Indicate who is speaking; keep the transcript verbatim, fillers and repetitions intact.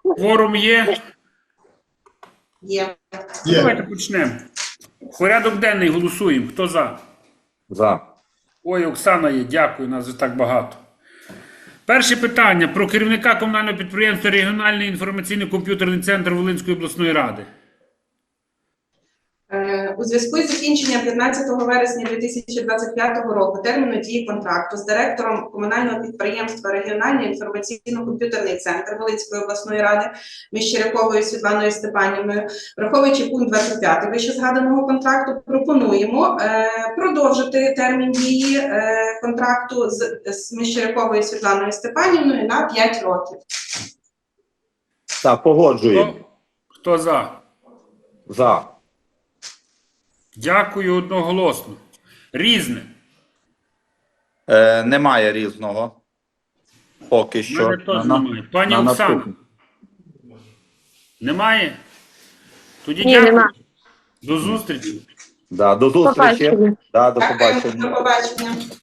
Speaker 1: Кворум є?
Speaker 2: Є.
Speaker 1: Давайте почнемо. Порядок денний голосуємо. Хто за?
Speaker 3: За.
Speaker 1: Ой, Оксана є, дякую, нас вже так багато. Перше питання про керівника комунального підприємства Регіональний інформаційно-комп'ютерний центр Волинської обласної ради.
Speaker 2: Е, У зв'язку з закінченням п'ятнадцятого вересня дві тисячі двадцять п'ятого року терміну дії контракту з директором комунального підприємства Регіональний інформаційно-комп'ютерний центр Волинської обласної ради Міщеряковою Світланою Степанівною, враховуючи пункт двадцять п'ять вище згаданого контракту, пропонуємо е, продовжити термін дії е, контракту з, з Міщеряковою Світланою Степанівною на п'ять років.
Speaker 3: Так, погоджуємо.
Speaker 1: Хто, хто за?
Speaker 3: За.
Speaker 1: Дякую одноголосно. Різне.
Speaker 3: Е, немає різного. Поки
Speaker 1: У
Speaker 3: що.
Speaker 1: мене теж
Speaker 3: На-
Speaker 1: немає. Пані
Speaker 3: на
Speaker 1: Оксана,
Speaker 3: наступне.
Speaker 1: немає? Тоді
Speaker 4: Ні,
Speaker 1: дякую.
Speaker 4: нема.
Speaker 1: До зустрічі.
Speaker 3: Да, до зустрічі.
Speaker 4: Побачення.
Speaker 3: Да, до
Speaker 2: Дякую,
Speaker 3: побачення.
Speaker 2: до побачення.